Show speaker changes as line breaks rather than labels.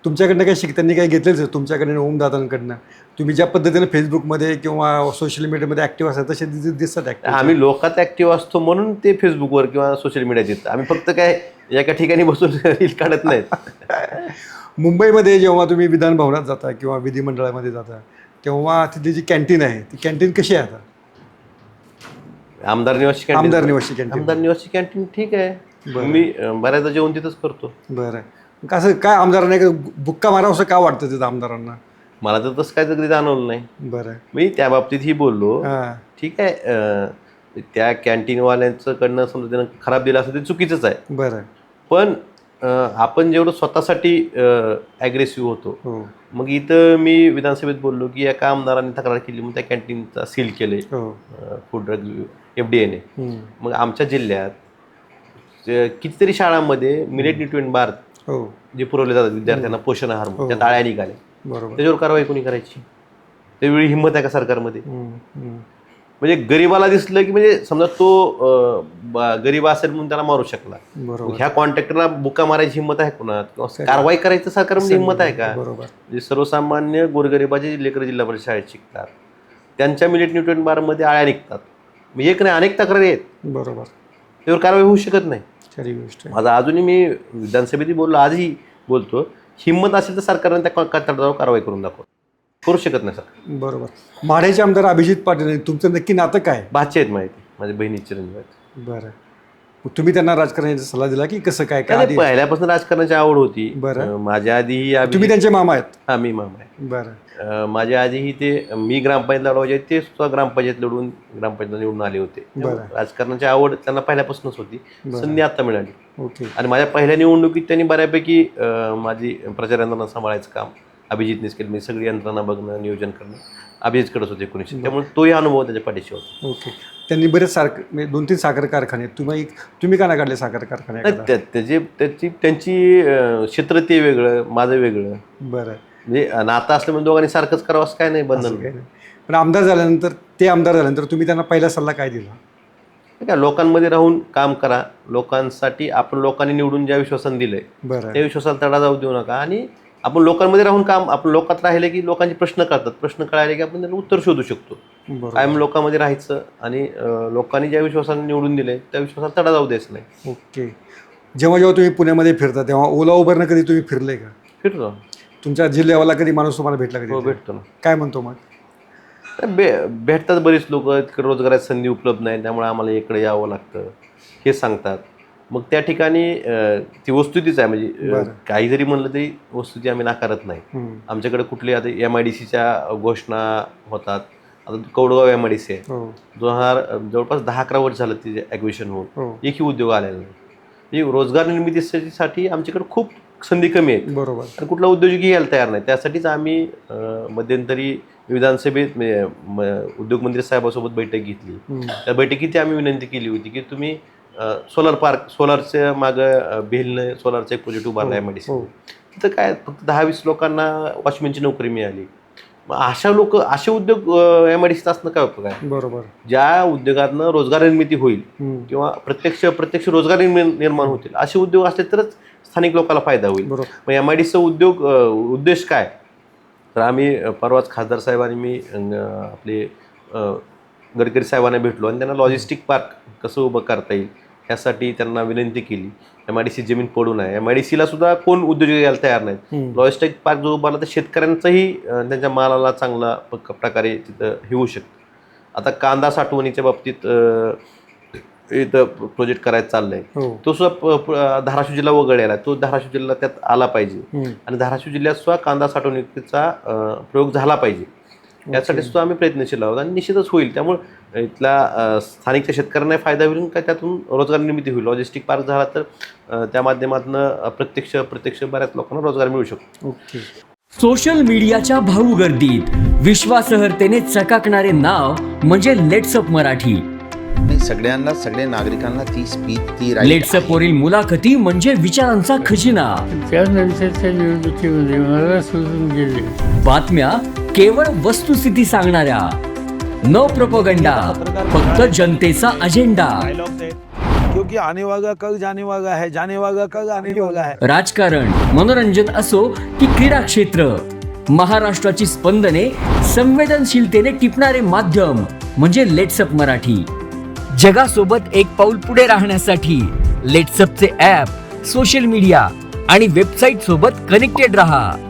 तुमच्याकडनं काही त्यांनी काही घेतलेच आहे तुमच्याकडनं ओमदादांकडनं? तुम्ही ज्या पद्धतीने फेसबुकमध्ये किंवा सोशल मीडियामध्ये ॲक्टिव्ह असतात तसे दिसतात ॲक्टिव्ह.
आम्ही लोकात ॲक्टिव्ह असतो म्हणून ते फेसबुकवर किंवा सोशल मीडियात येतं. आम्ही फक्त काय एका ठिकाणी बसून रील काढत नाहीत.
मुंबईमध्ये जेव्हा तुम्ही विधान भवनात जाता किंवा विधिमंडळामध्ये जाता तेव्हा तिथली जी कॅन्टीन आहे ती कॅन्टीन कशी आहे आता?
आमदार निवासी कॅन्टीन. आमदार निवासी कॅन्टीन ठीक आहे. मी बऱ्याचदा जेवण तिथंच करतो.
बरं, कसं काय आमदारांना बुक्का मारावं असं का वाटतं तिथं आमदारांना?
मला तर तसं काय तरी जाणवलं नाही.
बरं,
मी त्या बाबतीत ही बोललो. ठीक आहे, त्या कॅन्टीनवाल्यांचं कडनं समजा त्यानं खराब दिलं असं ते चुकीचंच आहे.
बरं,
पण आपण जेवढं स्वतःसाठी ॲग्रेसिव्ह होतो. मग इथं मी विधानसभेत बोललो की एका आमदारांनी तक्रार केली मग त्या कॅन्टीनचा सील केले फूड ड्रग FDAने. मग आमच्या जिल्ह्यात कितीतरी शाळांमध्ये मिलेट न्यूट्रिएंट बार जे पुरवले जातात विद्यार्थ्यांना पोषण आहार म्हणून त्या टाळ्या निघाल्या. त्याच्यावर कारवाई कोणी करायची? त्यावेळी हिंमत आहे का सरकारमध्ये? म्हणजे गरीबाला दिसलं की म्हणजे समजा तो गरीब असेल म्हणून त्याला मारू शकला. ह्या कॉन्ट्रॅक्टरला बुका मारायची हिंमत आहे कोणात? किंवा कारवाई करायचं सरकारमध्ये हिंमत आहे का? म्हणजे सर्वसामान्य गोरगरिबाचे लेकरं जिल्हा परिषद शाळेत शिकतात, त्यांच्या मिलेट न्यूट्रिएंट बारमध्ये आळ्या निघतात. म्हणजे एक नाही अनेक तक्रारी आहेत. बरोबर, त्यावर कारवाई होऊ शकत नाही. खरी गोष्ट. माझा अजूनही मी विधानसभेत बोललो, आजही बोलतो, हिंमत असेल तर सरकारने त्या कॉन्ट्रॅक्टरवर कारवाई करून दाखव. करू शकत नाही सर. बरोबर. माढ्याचे आमदार अभिजित पाटील तुमचं नक्की नातं काय? भाचे आहेत माहिती, माझ्या बहिणीचे रंग आहेत. बरं, तुम्ही त्यांना राजकारणाचा सल्ला दिला की कसं काय? काय पहिल्यापासून राजकारणाची आवड होती. बरं, माझ्या आधीही तुम्ही त्यांचे मामा आहेत? हां, मी मामा आहे. बरं, माझ्या आधीही ते मी ग्रामपंचायत लढवायचे ते सुद्धा ग्रामपंचायत लढून ग्रामपंचायत निवडून आले होते. राजकारणाची आवड त्यांना पहिल्यापासूनच होती. संधी आता मिळाली. ओके. आणि माझ्या पहिल्या निवडणुकीत त्यांनी बऱ्यापैकी माझी प्रचार यंत्रणा सांभाळायचं काम अभिजितनेच केलं. मी सगळी यंत्रणा बघणं, नियोजन करणं अभिजितकडेच होते 1900. त्यामुळे तोही अनुभव त्याच्या पाठीशी होता. ओके. त्यांनी बरेच म्हणजे 2-3 साखर कारखाने, तुम्ही का नाही काढले साखर कारखाने? त्यांची क्षेत्र ते वेगळं, माझं वेगळं. बरं, म्हणजे नातं असल्यामुळे दोघांनी सारखंच करावं असं काय नाही, बंधन. पण आमदार झाल्यानंतर तुम्ही त्यांना पहिला सल्ला काय दिला? काय, लोकांमध्ये राहून काम करा. लोकांसाठी आपण लोकांनी निवडून ज्या विश्वासाने दिलंय त्या विश्वासाला तडा जाऊ देऊ नका. आणि आपण लोकांमध्ये राहून काम, आपण लोकात राहिले की लोकांचे प्रश्न कळतात. प्रश्न कळाले की आपण त्यांना उत्तर शोधू शकतो. कायम लोकांमध्ये राहायचं आणि लोकांनी ज्या विश्वासाने निवडून दिले त्या विश्वासाला तडा जाऊ द्यायचं नाही. ओके. जेव्हा तुम्ही पुण्यामध्ये फिरता तेव्हा ओला उबरनं कधी तुम्ही फिरले का? फिरतो. तुमच्या जिल्ह्यावाला कधी माणूस तुम्हाला भेटला कधी? हो, भेटतो ना. काय म्हणतो मग? भेटतात बरीच लोक. रोजगाराची संधी उपलब्ध नाही त्यामुळे आम्हाला इकडे यावं लागतं हे सांगतात. मग त्या ठिकाणी ती वस्तुस्थितीच आहे. म्हणजे काही जरी म्हणलं तरी वस्तुस्थिती आम्ही नाकारत नाही. आमच्याकडे कुठली आता MIDCच्या घोषणा होतात. आता कौडगाव MIDC आहे, जवळपास 10-11 वर्ष झालं तिचे ॲक्विशन होऊन एकही उद्योग आलेला नाही. म्हणजे रोजगार निर्मितीसाठी आमच्याकडे खूप संधी कमी आहेत. बरोबर. आणि कुठला उद्योजकही यायला तयार नाही. त्यासाठीच आम्ही मध्यंतरी विधानसभेत उद्योगमंत्री साहेबांसोबत बैठक घेतली. त्या बैठकीत आम्ही विनंती केली होती की तुम्ही सोलर पार्क, सोलारच्या मागं भेलनं सोलारचा एक प्रोजेक्ट उभारला आहे MIDC. तिथं काय फक्त 10-20 लोकांना वॉचमॅनची नोकरी मिळाली. मग असे उद्योग MIDCत असणं काय उपयोग आहे? बरोबर. ज्या उद्योगातनं रोजगार निर्मिती होईल किंवा प्रत्यक्ष रोजगार निर्माण होतील असे उद्योग असले तरच स्थानिक लोकांना फायदा होईल. मग MIDCचा उद्देश काय? तर आम्ही परवाच खासदार साहेबांनी मी आपले गडकरी साहेबांना भेटलो आणि त्यांना लॉजिस्टिक पार्क कसं उभं करता येईल ह्यासाठी त्यांना विनंती केली. MIDC जमीन पडून आहे. MIDCला सुद्धा कोण उद्योजक यायला तयार नाहीत. लॉजिस्टिक पार्क जो उभारला तर शेतकऱ्यांचाही त्यांच्या मालाला चांगला प्रकारे तिथं हे होऊ शकतं. आता कांदा साठवणीच्या बाबतीत इथं प्रोजेक्ट करायचं चाललंय. तो सुद्धा धाराशिव जिल्हा वगळलेला आहे. तो धाराशिव जिल्हा त्यात आला पाहिजे आणि धाराशिव जिल्ह्यात सुद्धा कांदा साठवणुकीचा प्रयोग झाला पाहिजे. यासाठी सुद्धा आम्ही प्रयत्नशील आहोत आणि निश्चितच होईल. त्यामुळे इथल्या स्थानिक शेतकऱ्यांना फायदा होईल काय त्यातून रोजगार निर्मिती होईल. लॉजिस्टिक पार्क झाला तर त्या माध्यमातून प्रत्यक्ष बऱ्याच लोकांना रोजगार मिळू शकतो.
सोशल मीडियाच्या भाऊ गर्दीत विश्वासार्हतेने चकाकणारे नाव म्हणजे लेट्सअप मराठी.
सगळ्या नागरिकांना ती स्पीच
लेट्सअप वरील मुलाखती म्हणजे विचारांचा खजिना.
त्यानंतरच्या निवडणुकीमध्ये मला सोडून गेले.
बातम्या केवळ वस्तुस्थिती सांगणाऱ्या, न प्रोपगंडा, फक्त जनतेचा अजेंडा.
क्योंकि आने वाला कल जाने वाला है, जाने वाला कल आने वाला है.
राजकारण, मनोरंजन असो की क्रीडा क्षेत्र, महाराष्ट्राची स्पंदने संवेदनशीलतेने टिपणारे माध्यम म्हणजे लेट्सअप मराठी. जगासोबत एक पाऊल पुढे राहण्यासाठी लेट्सअपचे ॲप, सोशल मीडिया आणि वेबसाईट सोबत कनेक्टेड रहा.